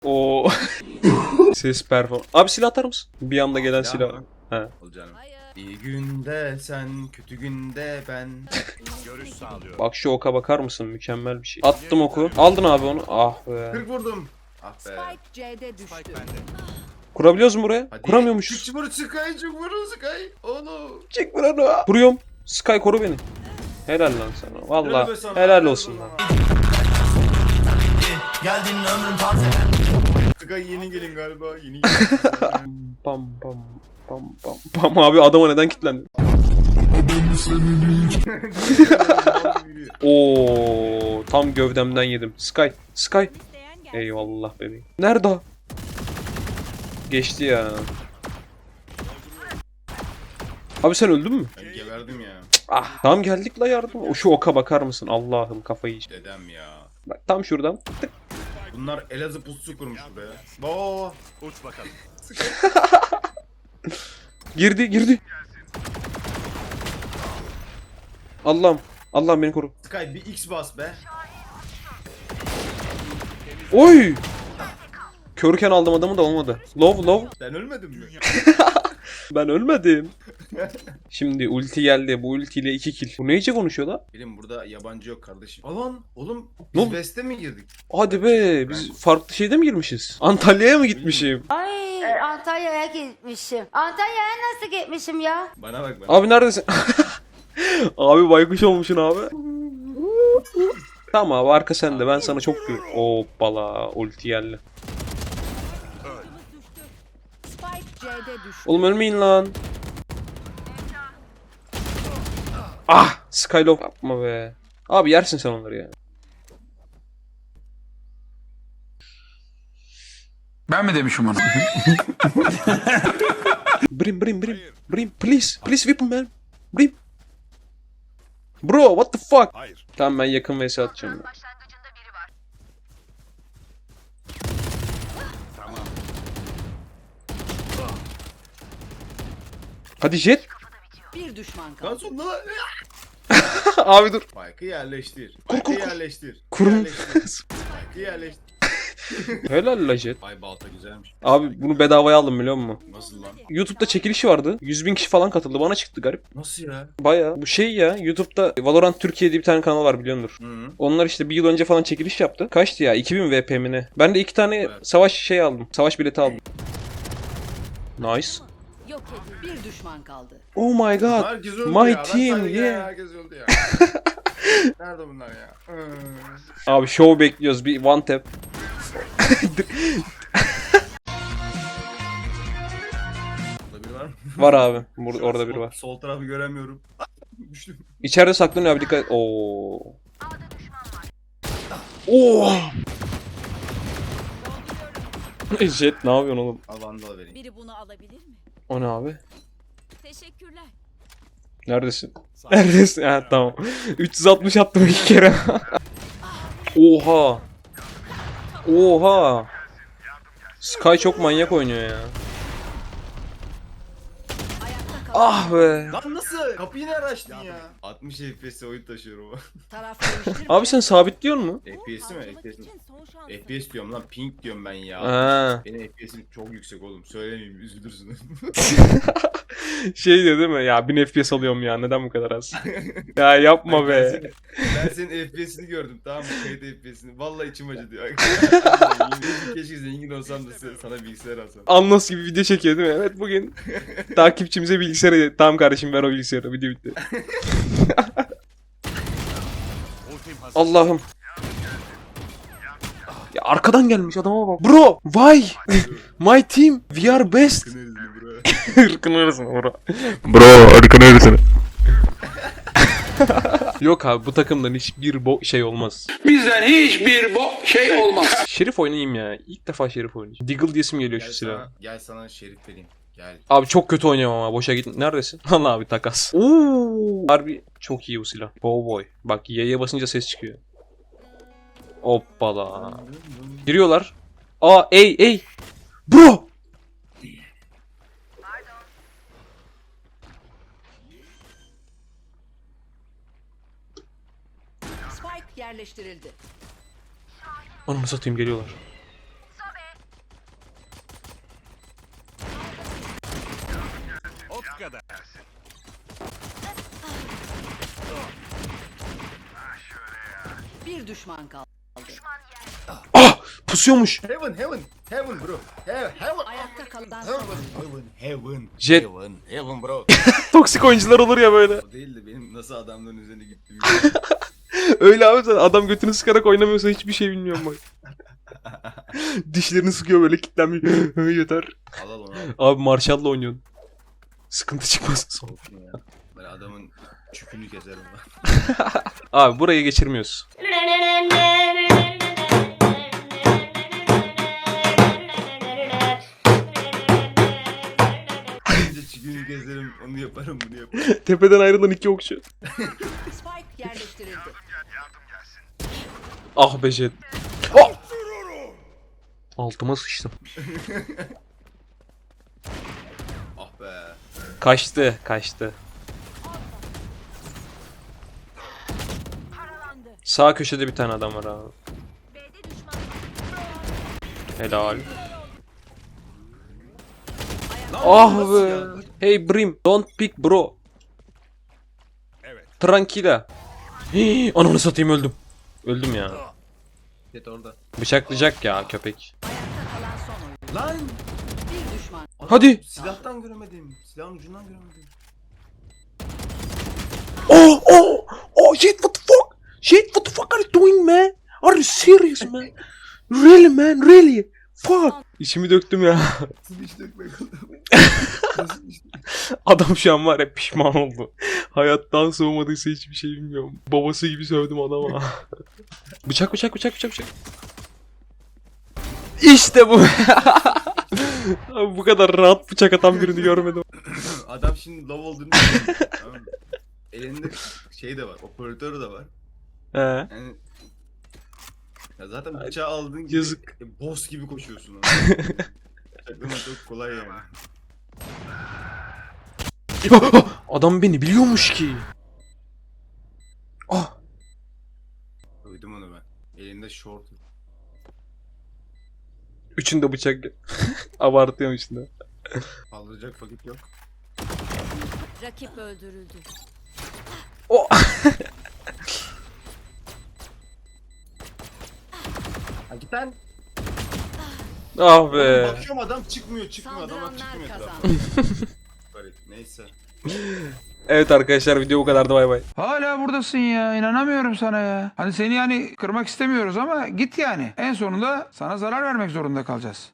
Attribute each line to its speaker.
Speaker 1: O ses perform. Abi silah atar mısın? Bir anda gelen silah. He.
Speaker 2: Ol canım. İyi günde sen, kötü günde ben.
Speaker 3: Görüş sağlıyorum.
Speaker 1: Bak şu oka bakar mısın? Mükemmel bir şey. Attım oku. Aldın abi onu. Ah be.
Speaker 2: 40 vurdum. Ah be.
Speaker 4: Spike C'de düştü.
Speaker 3: Spike bende.
Speaker 1: Kurabiliyoruz mu buraya?
Speaker 2: Hadi.
Speaker 1: Kuramıyormuşuz.
Speaker 2: Çık vur Sky, çık vur Sky. Onu.
Speaker 1: Çık buranı. Kuruyorum. Sky koru beni. Helal lan sana. Valla
Speaker 2: Helal be sana,
Speaker 1: helal olsun
Speaker 2: be
Speaker 1: lan.
Speaker 2: sana.
Speaker 5: Geldin ömrüm taze.
Speaker 2: Sky yeni gelin galiba. Yeni gelin.
Speaker 1: Pam pam pam pam pam abi adama neden kilitlendi? Oo tam gövdemden yedim. Sky. Sky. Eyvallah bebeğim. Nerede o? Geçti ya. Abi sen öldün mü?
Speaker 2: Ben geberdim ya.
Speaker 1: Ah tamam geldik la yardım. O şu oka bakar mısın? Allah'ım kafayı yiyeceğim.
Speaker 2: Dedem ya.
Speaker 1: Bak tam şuradan. Tık.
Speaker 2: Bunlar Elazığ pususu kurmuş buraya. Oo.
Speaker 3: Uç bakalım.
Speaker 1: Girdi. Allah'ım. Allah'ım beni koru.
Speaker 2: Sky bir X bas be.
Speaker 1: Oy! Körken aldım adamı da olmadı. Low.
Speaker 2: Sen ölmedin mi?
Speaker 1: Ben ölmedim. Şimdi ulti geldi. Bu ultiyle 2 kill. Bu neyce konuşuyor la?
Speaker 2: Bilim burada yabancı yok kardeşim. Alan oğlum
Speaker 1: Ne
Speaker 2: biz
Speaker 1: oldu?
Speaker 2: West'e mi girdik?
Speaker 1: Hadi be biz farklı şeyde mi girmişiz? Antalya'ya mı gitmişim?
Speaker 6: Ay Antalya'ya gitmişim. Antalya'ya nasıl gitmişim ya?
Speaker 2: Bana bak bana.
Speaker 1: Abi neredesin? Abi baykuş olmuşsun abi. Tamam abi arka sende ben sana çok gül. Hoppala ulti geldi.
Speaker 4: Spike C'de düştü.
Speaker 1: Oğlum ölmeyin lan. Ah Skylock yapma be. Abi yersin sen onları ya.
Speaker 5: Ben mi demişim onu?
Speaker 1: Brim please weapon man. Brim. Bro what the fuck?
Speaker 3: Hayır.
Speaker 1: Tamam ben yakın vs atacağım. Ya.
Speaker 3: Tamam.
Speaker 1: Hadi jet.
Speaker 4: Bir düşman
Speaker 2: Lan
Speaker 4: kaldı.
Speaker 2: sonunda
Speaker 1: Abi dur.
Speaker 2: Spike'ı yerleştir. Spike'ı yerleştir.
Speaker 1: Kurun.
Speaker 2: Yerleştir. Spike'ı yerleştir.
Speaker 1: Helal la jet.
Speaker 2: Ay balta güzelmiş.
Speaker 1: Abi bunu bedavaya aldım biliyor musun?
Speaker 2: Nasıl lan?
Speaker 1: YouTube'da çekilişi vardı. 100.000 kişi falan katıldı. Bana çıktı garip.
Speaker 2: Nasıl ya?
Speaker 1: Baya bu şey ya YouTube'da Valorant Türkiye diye bir tane kanal var biliyordur.
Speaker 2: Hı.
Speaker 1: Onlar işte bir yıl önce falan çekiliş yaptı. Kaçtı ya? 2000 VP mi ne? Ben de 2 tane
Speaker 2: Evet.
Speaker 1: savaş şey aldım. Savaş bileti aldım. Nice.
Speaker 4: Yok edildi. Bir düşman kaldı.
Speaker 1: Oh my god.
Speaker 2: Herkes öldü
Speaker 1: My
Speaker 2: ya. Ben
Speaker 1: team,
Speaker 2: sadece
Speaker 1: yeah.
Speaker 2: Herkes öldü ya. Nerede bunlar ya?
Speaker 1: Abi show bekliyoruz. Bir one tap.
Speaker 2: Burada biri var mı?
Speaker 1: Var abi. Orada biri var.
Speaker 2: Sol tarafı göremiyorum. Düştüm.
Speaker 1: İçeride saklanıyor abi dikkat. Oo. Oo. Jet ne yapıyorsun oğlum?
Speaker 2: Al vandal vereyim.
Speaker 4: Biri bunu alabilir mi?
Speaker 1: O ne abi?
Speaker 4: Teşekkürler.
Speaker 1: Neredesin? Neredesin? Ha tamam. 360 attım 2 kere. Oha. Oha. Sky çok manyak oynuyor ya.
Speaker 4: Ayakta kalan
Speaker 1: Ah be.
Speaker 2: Lan nasıl? Kapıyı nerede açtın ya? 60 FPS oyun taşıyorum ama.
Speaker 4: taraf değiştirme.
Speaker 1: Abi sen sabitliyor mu?
Speaker 2: FPS mi?
Speaker 4: Harcamak
Speaker 2: FPS mi?
Speaker 4: için son şans.
Speaker 2: FPS diyorum lan, ping diyorum ben ya.
Speaker 1: Ha.
Speaker 2: Benim FPS'im çok yüksek oğlum. Söylemeyeyim, üzülürsün.
Speaker 1: Şey diyor değil mi? Ya 1000 FPS alıyorum ya. Neden bu kadar az? Ya yapma be.
Speaker 2: Ben senin FPS'ini gördüm, tamam mı? Kayıt FPS'ini. Vallahi içim acıdı ya. Keşke zengin olsam da sana bilgisayar alsam.
Speaker 1: Anlas gibi video çekiyor değil mi? Evet bugün takipçimize bilgisayarı. Tamam kardeşim ver o bilgisayarı. Video bitti.
Speaker 3: Ultim hazır.
Speaker 1: Allah'ım. Ya arkadan gelmiş adama bak. Bro, why? My team, we are best.
Speaker 2: Kınırız mı bro?
Speaker 1: Irkın arasına bro. Bro, ırkın arasına. Yok abi bu takımdan hiçbir şey olmaz.
Speaker 5: Bizden hiçbir şey olmaz.
Speaker 1: Şerif oynayayım ya. İlk defa Şerif oynayacağım. Deagle diyesim geliyor şu silah.
Speaker 2: Gel sana şerif vereyim. Gel.
Speaker 1: Abi çok kötü oynuyorum ama boşa git. Neredesin? Allah abi takas. Oo. Harbi çok iyi bu silah. Cowboy. Bak Y'ye basınca ses çıkıyor. Hoppala. Giriyorlar. Aa ey. Bro.
Speaker 4: Spike yerleştirildi.
Speaker 1: Ananı satayım geliyorlar.
Speaker 3: kadar.
Speaker 7: Bir düşman kaldı.
Speaker 1: Ah! Pusuyormuş.
Speaker 2: Heaven bro. Heaven.
Speaker 7: Ayakta kalan son.
Speaker 1: Jet.
Speaker 2: Heaven bro.
Speaker 1: Toksik oyuncular olur ya böyle.
Speaker 2: O değil de benim nasıl adamların üzerine gittiğimi.
Speaker 1: Öyle abi zaten adam götünü sıkarak oynamıyorsa hiçbir şey bilmiyorum bak. Dişlerini sıkıyor böyle kilitlenmiyor. Yeter.
Speaker 2: Al onu al.
Speaker 1: Abi Marshall'la oynuyorsun. Sıkıntı çıkmasın sonra.
Speaker 2: Olsun ya. Ben adamın çükünü keserim ben.
Speaker 1: Abi burayı geçirmiyoruz.
Speaker 2: Önce çükünü keserim, onu yaparım, bunu yaparım.
Speaker 1: Tepeden ayrılan iki okçu.
Speaker 7: Spike yerleştirildi.
Speaker 1: Ah be Jet. Oh! Altıma sıçtım.
Speaker 2: Ah be.
Speaker 1: Kaçtı. Sağ köşede bir tane adam var abi.
Speaker 4: B'de düşman.
Speaker 1: Helal. Ah be. Hey Brim, don't pick bro.
Speaker 3: Evet.
Speaker 1: Tranquila. Hii, ananı satayım öldüm. Öldüm ya.
Speaker 2: Jet orada.
Speaker 1: Bıçaklayacak ya köpek.
Speaker 7: Ayakta kalan son oyun.
Speaker 2: Lan!
Speaker 7: Bir düşman.
Speaker 2: Adam,
Speaker 1: Hadi.
Speaker 2: Silahtan göremedim. Silahın ucundan göremedim.
Speaker 1: Oh, Jet, what the fuck? Jet, what the fuck are you doing, man? Are you serious, man? Really, man, really? Fuck. İçimi döktüm ya.
Speaker 2: Nasıl iş dökmek oldu? Nasıl iş
Speaker 1: Adam şu an var ya pişman oldu. Hayattan soğumadıysa hiçbir şey bilmiyorum. Babası gibi sövdüm adama. Bıçak. İşte bu. Abi bu kadar rahat bıçak atan birini görmedim.
Speaker 2: Adam şimdi low olduğunu biliyor. Tamam mı? Elinde şey de var, operatörü de var.
Speaker 1: He.
Speaker 2: Yani ya zaten bıçağı aldığın gibi
Speaker 1: Yazık.
Speaker 2: boss gibi koşuyorsun. Bıçaklama çok kolay yani.
Speaker 1: Adam beni biliyormuş ki. Ah.
Speaker 2: Duydum onu ben. Elinde short.
Speaker 1: Üçünde bıçak. Abartıyorum içinde.
Speaker 2: Kaldıracak vakit yok.
Speaker 4: Rakip öldürüldü.
Speaker 1: O.
Speaker 2: Ha git lan.
Speaker 1: Ah be.
Speaker 2: Bakıyorum adam çıkmıyor. Adamlar
Speaker 7: Saldıranlar
Speaker 2: çıkmıyor etrafa.
Speaker 7: kazandı.
Speaker 2: Garip. Neyse.
Speaker 1: Evet arkadaşlar video bu kadardı, bay bay.
Speaker 5: Hala buradasın ya. İnanamıyorum sana ya. Hani seni yani kırmak istemiyoruz ama git yani. En sonunda sana zarar vermek zorunda kalacağız.